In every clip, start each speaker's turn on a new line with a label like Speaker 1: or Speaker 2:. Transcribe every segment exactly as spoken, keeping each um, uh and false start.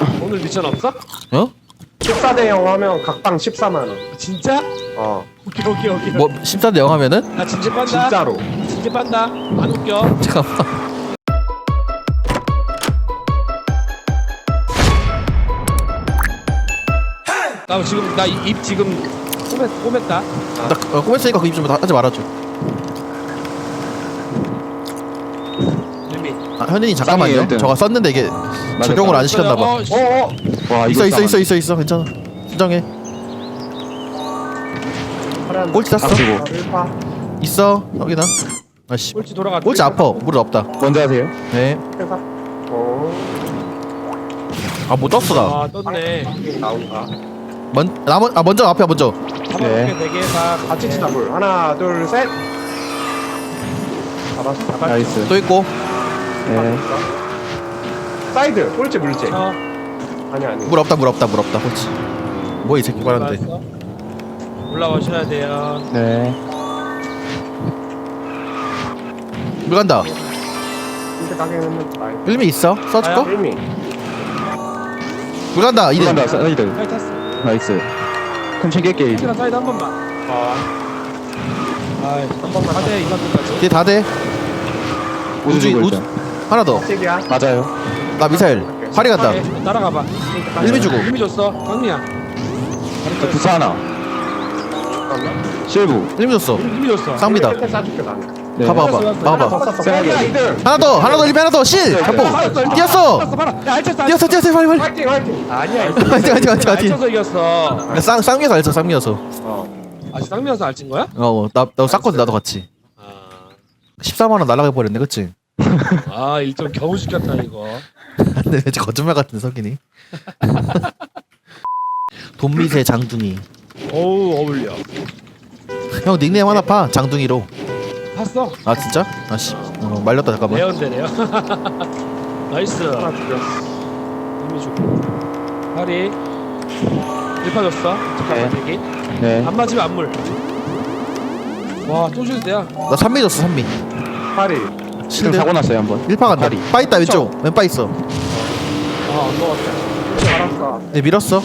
Speaker 1: 오늘 미션 없어?
Speaker 2: 어?
Speaker 3: 십사 대 영 하면 각방 십사만 원.
Speaker 1: 진짜?
Speaker 3: 어.
Speaker 1: 오케이 오케이 오케이.
Speaker 2: 뭐 십사 대 영 하면은?
Speaker 1: 나 진짜 빤다.
Speaker 3: 진짜로.
Speaker 1: 진짜 빤다. 안 웃겨.
Speaker 2: 잠깐만.
Speaker 1: 나 지금 나 입 지금 꼬맸 꼬맸다.
Speaker 2: 나 어, 꼬맸으니까 그 입 좀 하지 말아줘.
Speaker 1: 재미.
Speaker 2: 아, 현인이 잠깐만요.
Speaker 4: 쌍이에요,
Speaker 2: 저가 썼는데 이게 적용을 안 시켰나 봐.
Speaker 1: 어, 씨.
Speaker 3: 어, 어.
Speaker 4: 와
Speaker 2: 있어
Speaker 4: 이거
Speaker 2: 있어 있어 있어 있어 괜찮아. 진정해.
Speaker 3: 파란.
Speaker 2: 꼴찌 땄어.
Speaker 4: 앞치고
Speaker 3: 아, 일파.
Speaker 2: 있어. 여기다. 아씨.
Speaker 1: 꼴찌 돌아가.
Speaker 2: 꼴찌 아파. 무릎 없다.
Speaker 4: 먼저 하세요.
Speaker 2: 네.
Speaker 3: 회사. 어.
Speaker 2: 아 못 떴어 나.
Speaker 1: 아 떴네.
Speaker 3: 나온다.
Speaker 2: 먼, 나 먼, 아 먼저 앞에 먼저.
Speaker 1: 잡아볼게 네 개 다.
Speaker 3: 같이 치자 물. 하나, 둘, 셋. 잡았어. 잡았어.
Speaker 4: 나이스.
Speaker 2: 또 있고.
Speaker 4: 네.
Speaker 3: 사이드. 꼴찌 물지.
Speaker 1: 어.
Speaker 3: 아니 아니.
Speaker 2: 물 없다 물 없다 물 없다. 꼴찌. 뭐 이 새끼 말하는데.
Speaker 1: 올라왔어? 올라오셔야 돼요.
Speaker 4: 네.
Speaker 2: 물 간다.
Speaker 3: 이제 가게는 나이.
Speaker 2: 일미 있어? 써줄까?
Speaker 1: 가요?
Speaker 3: 일미.
Speaker 2: 물 간다. 이대.
Speaker 4: 들어간다. 사이드.
Speaker 1: 빨리 탔어.
Speaker 4: 나이스. 큰 챙길게 이제.
Speaker 1: 키랑 사이드 한 번만.
Speaker 3: 아.
Speaker 1: 아이 한 번만. 다돼 이만 끝까지.
Speaker 2: 뒤에 다 돼.
Speaker 4: 우주
Speaker 2: 우주
Speaker 4: 주고
Speaker 2: 우주.
Speaker 4: 일단.
Speaker 2: 하나 더.
Speaker 3: 책이야.
Speaker 4: 맞아요.
Speaker 2: 나 미사일. 파리 간다.
Speaker 1: 오케이, 따라가봐.
Speaker 2: 일미 주고.
Speaker 1: 일미 줬어. 강미야.
Speaker 4: 저 부사 하나. 실부.
Speaker 2: 일미 줬어.
Speaker 1: 일미 줬어.
Speaker 2: 쌍미다.
Speaker 3: 끝에 싸줄게 나는.
Speaker 4: 네.
Speaker 2: 봐봐 봐봐.
Speaker 1: 알았어,
Speaker 2: 봐봐.
Speaker 3: 더 썼어.
Speaker 4: 세게.
Speaker 3: 빨리 이등.
Speaker 2: 하나 더. 하나 더. 일미 하나 더. 실. 잡고. 뛰었어.
Speaker 1: 알았어 봐라. 야 알쳤어.
Speaker 2: 뛰었어 뛰었어 빨리 빨리.
Speaker 3: 화이팅 화이팅.
Speaker 1: 아니야.
Speaker 2: 화이팅 화이팅 화이팅 화이팅.
Speaker 1: 알쳐서 이겼어.
Speaker 2: 야, 쌍 쌍미여서 알죠 쌍미여서.
Speaker 3: 어.
Speaker 1: 아직 쌍미여서 알친 거야?
Speaker 2: 어나나 쌌거든 나도 같이.
Speaker 1: 아,
Speaker 2: 십사만 원 날라가 버렸네 그치?
Speaker 1: 아 일점 겨우 시켰다 이거.
Speaker 2: 근데 왠지 거짓말 같은 석이니. 돈미세 장둥이.
Speaker 1: 어우 어울려.
Speaker 2: 형 닉네임 하나 파 장둥이로.
Speaker 1: 봤어?
Speaker 2: 아 진짜? 아씨 어, 말렸다 잠깐만.
Speaker 1: 레어인데 레어. 나이스.
Speaker 3: 하나 죽였어.
Speaker 1: 일미 주고. 파리. 일파 줬어. 잠깐만
Speaker 4: 네.
Speaker 1: 대기.
Speaker 4: 네.
Speaker 1: 안 맞으면 안물. 와또 쉴드야.
Speaker 2: 나 삼미 줬어 삼미.
Speaker 3: 파리.
Speaker 4: 지금
Speaker 2: 실드.
Speaker 4: 사고 났어요 한번.
Speaker 2: 일파 간다.
Speaker 4: 파리.
Speaker 2: 빠 있다 왼쪽. 왼빠 있어.
Speaker 1: 아안 먹었다.
Speaker 3: 알았어.
Speaker 2: 네 밀었어.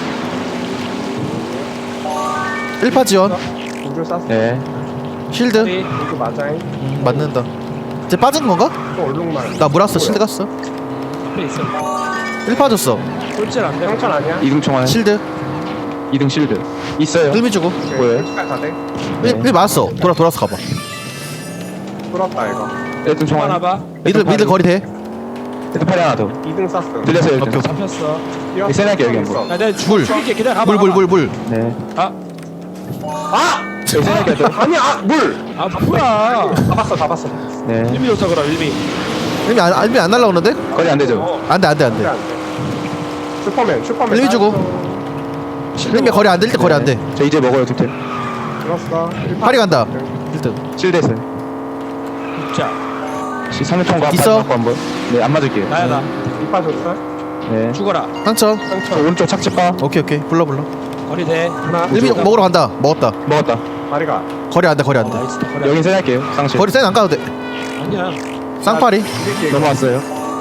Speaker 2: 일파 지원.
Speaker 3: 우주 쐈어.
Speaker 4: 네.
Speaker 2: 실드.
Speaker 1: 파리.
Speaker 3: 우주 맞아잉.
Speaker 2: 음, 맞는다. 이제 빠진 건가?
Speaker 3: 또 얼룩말.
Speaker 2: 나 물었어 실드 갔어.
Speaker 1: 앞에 있어.
Speaker 2: 일파 줬어.
Speaker 1: 꼴찌를 안 돼.
Speaker 3: 상천 아니야?
Speaker 4: 이등 총알.
Speaker 2: 실드.
Speaker 4: 이등 실드. 있어요.
Speaker 2: 일미 주고.
Speaker 3: 오케이.
Speaker 4: 뭐예요?
Speaker 3: 꼴찌까지 다 돼?
Speaker 4: 네.
Speaker 2: 일, 일 맞았어. 돌아 돌아서 가봐.
Speaker 3: 뚫었다 이거.
Speaker 4: 일등 총알.
Speaker 1: 하나 봐.
Speaker 2: 미들 미들 거리 돼.
Speaker 4: 일등 팔이 하나 더.
Speaker 3: 이등 쐈어.
Speaker 4: 들렸어요
Speaker 2: 오케이,
Speaker 4: 일등.
Speaker 1: 잡혔어.
Speaker 3: 뛰었어.
Speaker 4: 세나게 여기
Speaker 3: 있어.
Speaker 4: 한번.
Speaker 1: 야 내가
Speaker 2: 물.
Speaker 1: 죽일게. 기다려 가봐.
Speaker 2: 물 물 물 물.
Speaker 4: 네.
Speaker 1: 아,
Speaker 3: 아!
Speaker 4: 세나게 더.
Speaker 3: 아니 아 물.
Speaker 1: 아 뭐야?
Speaker 3: 잡았어 잡았어.
Speaker 4: 네.
Speaker 1: 일미 줬어 그럼 일미.
Speaker 2: 일미 안 일미 안 날라오는데?
Speaker 4: 거리 안 되죠.
Speaker 3: 어.
Speaker 2: 안돼 안돼
Speaker 3: 안돼
Speaker 2: 안돼.
Speaker 3: 안돼. 슈퍼맨 슈퍼맨.
Speaker 2: 일미 주고. 일미 거리 안 될 때 거리 안 돼.
Speaker 4: 저 이제 먹어요 득템.
Speaker 3: 들었어.
Speaker 2: 파리 간다. 일등.
Speaker 4: 실드에서.
Speaker 1: 자
Speaker 4: 시 상대통과
Speaker 2: 있어?
Speaker 4: 한번. 네, 안 맞을게요.
Speaker 1: 나야 나.
Speaker 3: 이파 줬어.
Speaker 4: 네.
Speaker 1: 죽어라.
Speaker 2: 상천.
Speaker 4: 저
Speaker 3: 상처.
Speaker 4: 오른쪽 착지바
Speaker 2: 오케이 오케이 불러 불러.
Speaker 1: 거리 돼. 하나.
Speaker 2: 일미
Speaker 1: 둘,
Speaker 2: 먹으러 간다. 먹었다.
Speaker 4: 먹었다.
Speaker 3: 다리가.
Speaker 2: 거리 안 돼 거리 안
Speaker 1: 어,
Speaker 2: 돼.
Speaker 1: 나이스. 거리.
Speaker 4: 여긴 세할게요. 상실.
Speaker 2: 거리 센 안 가도 돼.
Speaker 1: 아니야.
Speaker 2: 쌍파리.
Speaker 3: 이렇게
Speaker 4: 넘어왔어요.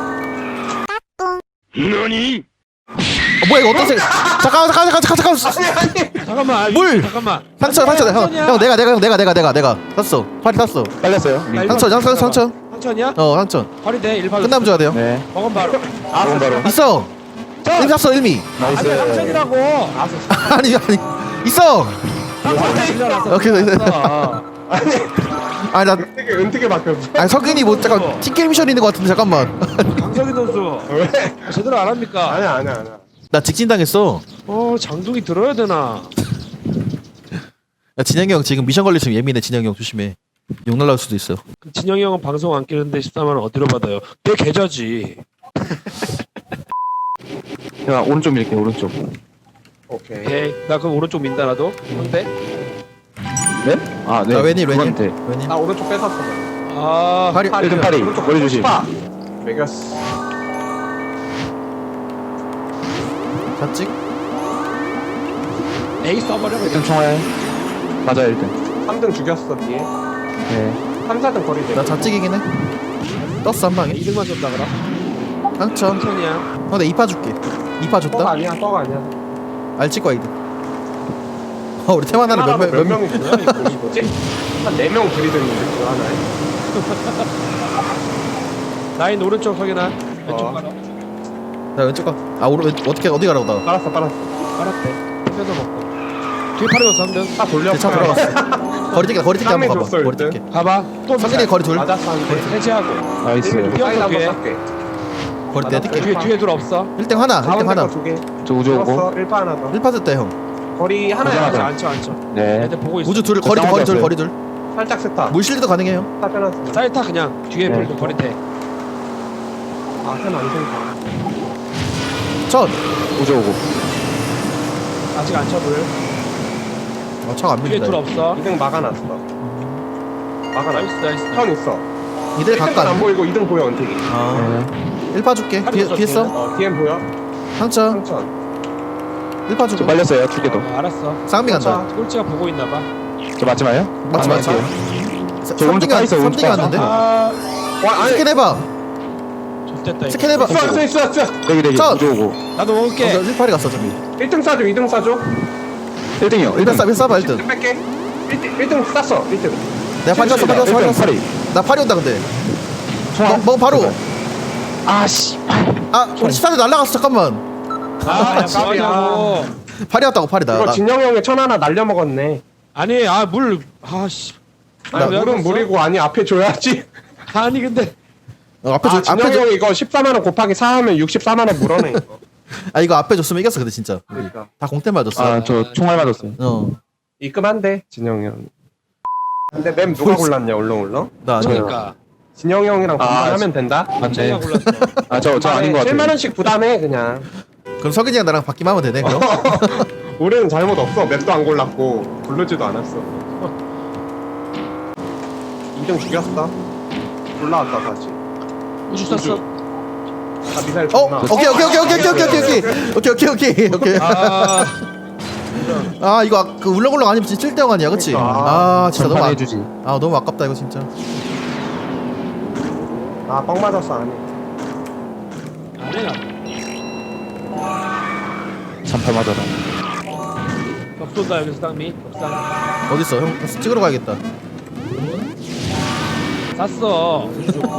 Speaker 2: 어, 뭐야 이거 어떤 색? 잠깐만 잠깐만 잠깐만 잠깐만.
Speaker 1: 잠깐만. 아,
Speaker 2: 물!
Speaker 1: 잠깐만.
Speaker 2: 상처 상처 형,
Speaker 1: 상처냐?
Speaker 2: 형 내가 내가 형 내가 내가 내가 내가 땄어. 파리 땄어.
Speaker 4: 빨렸어요.
Speaker 1: 나 이거
Speaker 2: 상처 상처
Speaker 1: 잠깐만.
Speaker 2: 상처.
Speaker 1: 상처냐?
Speaker 2: 어 상처.
Speaker 1: 거리 돼. 일파.
Speaker 2: 끝나면 줘야 돼요.
Speaker 4: 네.
Speaker 1: 먹은 바로.
Speaker 3: 아
Speaker 4: 좋은 바로.
Speaker 2: 있어. 일미 샀어 일미.
Speaker 1: 아니야
Speaker 4: 나이스.
Speaker 1: 상처이라고.
Speaker 2: 아니 아니 있어.
Speaker 1: 상처
Speaker 2: 오케이, 오케이.
Speaker 3: 아니
Speaker 2: 아니 나
Speaker 3: 은택이 은택이 바뀌었어.
Speaker 2: 아니 석인이 뭐 잠깐 티켓 미션 있는 것 같은데 잠깐만.
Speaker 1: 강석희 선수
Speaker 3: 왜?
Speaker 1: 제대로 안 합니까?
Speaker 3: 아니야 아니야 아니야.
Speaker 2: 나 직진 당했어.
Speaker 1: 어 장둥이 들어야 되나?
Speaker 2: 야 진영이 형 지금 미션 걸리시면 예민해. 진영이 형 조심해. 욕 날라올 수도 있어.
Speaker 1: 그 진영이 형은 방송 안 끼는데 십사만 원 어디로 받아요? 내 계좌지.
Speaker 4: 제가 오른쪽 밀게요. 오른쪽.
Speaker 3: 오케이.
Speaker 1: 오케이. 나 그럼 오른쪽 민다 나도. 근데
Speaker 4: 네? 아, 네.
Speaker 2: 아 웬일 웬일
Speaker 4: 그건 돼.
Speaker 2: 웬일.
Speaker 3: 나 오른쪽 뺏었어.
Speaker 1: 아
Speaker 2: 파리.
Speaker 4: 일등 파리.
Speaker 3: 오른쪽
Speaker 4: 머리 조심.
Speaker 3: 파. 매겼어.
Speaker 2: 좌측.
Speaker 1: A 써버려
Speaker 4: 일등
Speaker 1: 그냥.
Speaker 4: 총알. 맞아요, 일등.
Speaker 3: 삼 등 죽였어 뒤에.
Speaker 4: 네.
Speaker 3: 삼, 사 등 거리 돼.
Speaker 2: 나 좌측이긴 해. 떴어 한 방에.
Speaker 1: 이 등만 줬다 그럼.
Speaker 2: 상처.
Speaker 1: 천천히야.
Speaker 2: 형, 내가 이파 줄게. 이파
Speaker 3: 떡
Speaker 2: 줬다.
Speaker 3: 아니야 떡 아니야.
Speaker 2: 알치과 이드. 어, 우리 테마나를
Speaker 3: 하나로
Speaker 2: 몇몇
Speaker 3: 몇
Speaker 2: 몇 명.
Speaker 3: 명이 뭐야 이거 뭐지? 한 네 명 들이댔는데 그 하나에.
Speaker 1: 라인 오른쪽 확인하. 왼쪽
Speaker 3: 어.
Speaker 1: 가라.
Speaker 2: 나 왼쪽 가. 아, 오른 왼- 어떻게 어디 가라고 나.
Speaker 3: 빨았어 빨았어.
Speaker 1: 빨았대. 뺏어 먹고. 뒤에 팔이고 삼등.
Speaker 3: 차 돌려.
Speaker 2: 차 들어갔어. 거리 뛰기 거리 뛰기 한번 가봐.
Speaker 3: 줬어,
Speaker 2: 거리
Speaker 3: 일단.
Speaker 2: 뛰기.
Speaker 1: 가봐. 또
Speaker 2: 성진이 거리 둘.
Speaker 3: 맞았어 한 대.
Speaker 1: 해제하고.
Speaker 4: 나이스.
Speaker 3: 사이드 한번
Speaker 1: 뒤에.
Speaker 3: 쏠게.
Speaker 2: 거리 뛰기 뛸게.
Speaker 1: 뒤에 뒤에 둘 없어.
Speaker 2: 일 등 하나. 일 등
Speaker 3: 가운데
Speaker 2: 하나.
Speaker 3: 거두 개.
Speaker 4: 저 우주 오고.
Speaker 3: 들었어. 일 파 하나 더.
Speaker 2: 일 파 줬다 형.
Speaker 3: 거리
Speaker 1: 앉아
Speaker 3: 하나야.
Speaker 1: 앉아 앉아.
Speaker 4: 네.
Speaker 1: 애들 보고 있어.
Speaker 2: 우주 둘 거리 둘 거리 둘 거리 둘.
Speaker 3: 살짝 세타.
Speaker 2: 물실드도 가능해요.
Speaker 3: 타 빼놨어.
Speaker 1: 사이타 그냥 뒤에
Speaker 4: 네.
Speaker 1: 불고 버리대.
Speaker 3: 아, 템안 생겨.
Speaker 2: 첫.
Speaker 4: 우주 오고.
Speaker 1: 아직 안 쳐불.
Speaker 2: 어, 차가 안
Speaker 1: 뒤에
Speaker 2: 밀린다.
Speaker 1: 둘 없어.
Speaker 3: 이 등 막아놨어. 막아놨어.
Speaker 1: 나이스 나이스.
Speaker 3: 턴 있어.
Speaker 2: 이들
Speaker 3: 일 등은 안
Speaker 2: 가까.
Speaker 3: 보이고 이 등 보여 은택이.
Speaker 2: 아.
Speaker 4: 네.
Speaker 2: 일 파 줄게.
Speaker 1: 팔이
Speaker 2: 뒤에
Speaker 1: 없어,
Speaker 2: 뒤에 써.
Speaker 3: 어, 디엠 보여?
Speaker 2: 상처.
Speaker 3: 상천.
Speaker 2: 일 파
Speaker 4: 저
Speaker 2: 주고.
Speaker 4: 빨렸어요. 두 개 더.
Speaker 1: 어, 알았어.
Speaker 2: 쌍미 간다.
Speaker 1: 꼴찌가 보고 있나 봐.
Speaker 4: 저 맞지 마요?
Speaker 2: 맞지
Speaker 4: 안
Speaker 2: 맞지.
Speaker 4: 맞을게요. 저 오른쪽 가 있어, 오른쪽
Speaker 2: 삼 등이
Speaker 4: 가 있어.
Speaker 2: 왔는데.
Speaker 1: 아,
Speaker 3: 와, 아니.
Speaker 2: 스캔 해봐.
Speaker 1: 좋됐다 이거.
Speaker 2: 스캔 해봐.
Speaker 3: 쏴, 쏴, 쏴, 쏴.
Speaker 4: 여기 여기
Speaker 2: 저!
Speaker 4: 우주 오고.
Speaker 1: 나도 먹을게.
Speaker 2: 일 파리 갔어 저기.
Speaker 3: 일 등 쏴줘, 이 등 쏴줘.
Speaker 4: 일 등이요. 일
Speaker 2: 일단
Speaker 4: 등.
Speaker 2: 쏴, 일단 쏴봐 일 등.
Speaker 3: 일 등 뺄게. 일 등, 일 등 쐈어, 일 등.
Speaker 2: 내가 파리 갔어, 파리 갔어, 파리 갔어.
Speaker 4: 팔이.
Speaker 2: 나 파리 온다 근데.
Speaker 4: 총알.
Speaker 2: 뭐, 뭐 바로.
Speaker 4: 아 씨.
Speaker 2: 아, 우리 십사 대 날라갔어 잠깐만.
Speaker 1: 아, 야,
Speaker 3: 깜이야.
Speaker 1: 뭐하냐고.
Speaker 2: 파리 왔다고 파리다.
Speaker 3: 이거
Speaker 2: 나,
Speaker 3: 진영 형의 천 하나 날려먹었네.
Speaker 1: 아니, 아, 물, 아, 씨.
Speaker 3: 아니,
Speaker 1: 왜
Speaker 3: 물은
Speaker 1: 그랬어?
Speaker 3: 물이고, 아니, 앞에 줘야지.
Speaker 1: 아니, 근데.
Speaker 2: 어, 앞에
Speaker 3: 아,
Speaker 2: 줘,
Speaker 3: 진영
Speaker 2: 앞에 줘.
Speaker 3: 형 이거 십사만 원 곱하기 사 하면 육십사만 원 물어내. 이거.
Speaker 2: 아 이거 앞에 줬으면 이겼어 근데 진짜. 우리.
Speaker 3: 그러니까.
Speaker 2: 다 공대 맞았어.
Speaker 4: 아 저 총알 맞았어요.
Speaker 2: 어.
Speaker 3: 입금한대, 진영 형. 근데 맵 누가 골랐냐, 울렁울렁?
Speaker 2: 나 아니야.
Speaker 1: 그러니까.
Speaker 3: 진영 형이랑
Speaker 4: 아,
Speaker 3: 분담하면 된다?
Speaker 1: 제가
Speaker 4: 맞네.
Speaker 1: 골랐어.
Speaker 4: 아 저 저 아닌 것 같아요.
Speaker 3: 칠만 원씩 부담해, 그냥.
Speaker 2: 그럼 석인이랑 나랑 바뀌면 하면 되네 그럼.
Speaker 3: 우리는 잘못 없어. 맵도 안 골랐고 부르지도 않았어. 이 등 죽였어. 올라왔다 다시.
Speaker 1: 우주 쐈어.
Speaker 3: 아 미사일
Speaker 2: 어?
Speaker 3: 줬나?
Speaker 2: 오케이 오케이 오케이 오케이 오케이 오케이 오케이 오케이 오케이 오케이 오케이.
Speaker 1: 아,
Speaker 2: 아 이거 아- 그 울렁울렁 아니면 진짜 칠 대 영 아니야 그치?
Speaker 3: 그러니까.
Speaker 2: 아 진짜 너무
Speaker 4: 전판
Speaker 2: 아,
Speaker 4: 해주지.
Speaker 2: 아 너무 아깝다 이거 진짜.
Speaker 3: 아뻥 맞았어 안해.
Speaker 1: 안 해나.
Speaker 4: 삼팔 맞아라.
Speaker 1: 덥쏜다, 여기서 땅미. 덥상.
Speaker 2: 어딨어 형 찍으러 가야겠다.
Speaker 1: 쐈어. 우주 좋고.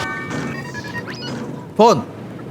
Speaker 2: 번.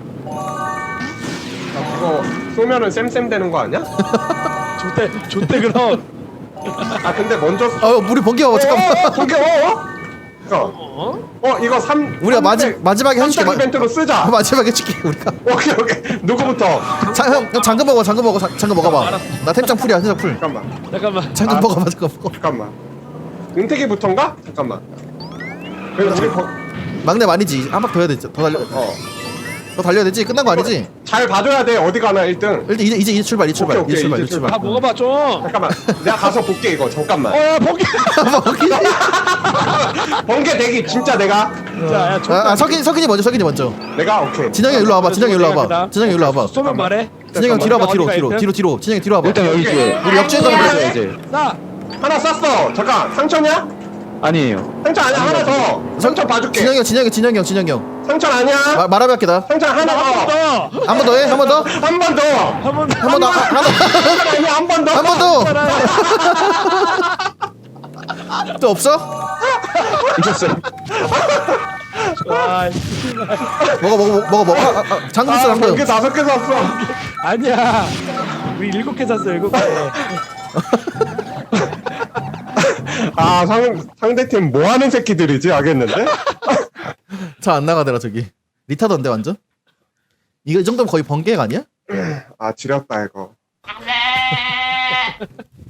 Speaker 3: 그거 쏘면은 쌤쌤 되는 거 아니야?
Speaker 1: 좋대, 좋대, 그럼.
Speaker 3: 아 근데 먼저.
Speaker 2: 어 물이 번개 와 잠깐만.
Speaker 3: 어, 거기 어? 어? 이거
Speaker 1: 어?
Speaker 3: 어 이거 삼.
Speaker 2: 우리가 마지 마지막에 해줄게.
Speaker 3: 한창 이벤트로 쓰자.
Speaker 2: 마지막에 해줄게 우리가.
Speaker 3: 오케이 오케이. 누구부터?
Speaker 2: 자, 형, 형 잠금 먹어, 잠금 먹어, 자- 잠금 먹어봐.
Speaker 1: 알았어.
Speaker 2: 나 템장 풀이야, 템장 풀.
Speaker 3: 잠깐만
Speaker 1: 잠깐만.
Speaker 2: 잠금
Speaker 3: 아.
Speaker 2: 먹어봐, 잠금 먹어.
Speaker 3: 잠깐만. 은택이부터인가? 잠깐만. 그래서 우리 버,
Speaker 2: 막내 아니지. 한 박 더 해야 되지. 더 달려,
Speaker 3: 어.
Speaker 2: 더 달려야 되지. 끝난 거 아니지?
Speaker 3: 잘 봐줘야 돼. 어디 가나 일 등.
Speaker 2: 일단 이제 이제 이제 출발, 이제 출발,
Speaker 3: 오케이, 오케이,
Speaker 2: 이제 출발,
Speaker 3: 이제
Speaker 2: 이제 출발.
Speaker 1: 다 먹어봐, 좀.
Speaker 3: 잠깐만. 내가 가서 볼게 이거. 잠깐만.
Speaker 1: 어, 야, 포기.
Speaker 3: 번개 대기 진짜 내가.
Speaker 1: 자, 야,
Speaker 2: 아,
Speaker 1: 좋다.
Speaker 2: 아 석인 석인이 먼저, 석인이 먼저.
Speaker 3: 내가 오케이.
Speaker 2: 진영이 일로 와봐, 진영이 일로 와봐, 진영이 일로 와봐.
Speaker 1: 쏘면 말해.
Speaker 2: 진영이 형 뒤로 와봐, 뒤로,
Speaker 1: 어디가
Speaker 2: 뒤로,
Speaker 1: 일등?
Speaker 2: 뒤로, 뒤로. 진영이 뒤로 와봐.
Speaker 4: 일단 여기 뒤에.
Speaker 2: 우리 역주행 가면
Speaker 3: 아,
Speaker 2: 돼.
Speaker 4: 이제
Speaker 1: 나.
Speaker 3: 하나 쐈어. 잠깐. 상처냐?
Speaker 4: 아니에요.
Speaker 3: 상처 아니야. 하나 더. 상처 봐줄게.
Speaker 2: 진영이 형, 진영이 형, 진영이 형, 진영이 형.
Speaker 3: 상처 아니야.
Speaker 2: 마, 말하면 할게 나.
Speaker 3: 상처 하나 더.
Speaker 1: 더.
Speaker 2: 한 번 더 해, 한 번 더,
Speaker 3: 한 번 더.
Speaker 1: 한 번 더.
Speaker 2: 한 번 더, 한 번 더,
Speaker 3: 상처 아니야. 한 번 더.
Speaker 2: 한 번 더. 또 없어?
Speaker 4: 있었어요.
Speaker 1: 아,
Speaker 2: 먹어, 먹어, 먹어, 먹어, 먹어. 아, 아, 아, 잠금 있어,
Speaker 3: 아,
Speaker 2: 잠금.
Speaker 3: 번개 다섯 개 쐈어.
Speaker 1: 아니야. 우리 일곱 개 샀어, 일곱 개.
Speaker 3: 아, 상 상대팀 뭐 하는 새끼들이지? 알겠는데?
Speaker 2: 잘 안 나가더라 저기. 리타던데 완전? 이거 이 정도면 거의 번개가 아니야?
Speaker 3: 아, 지렸다 이거.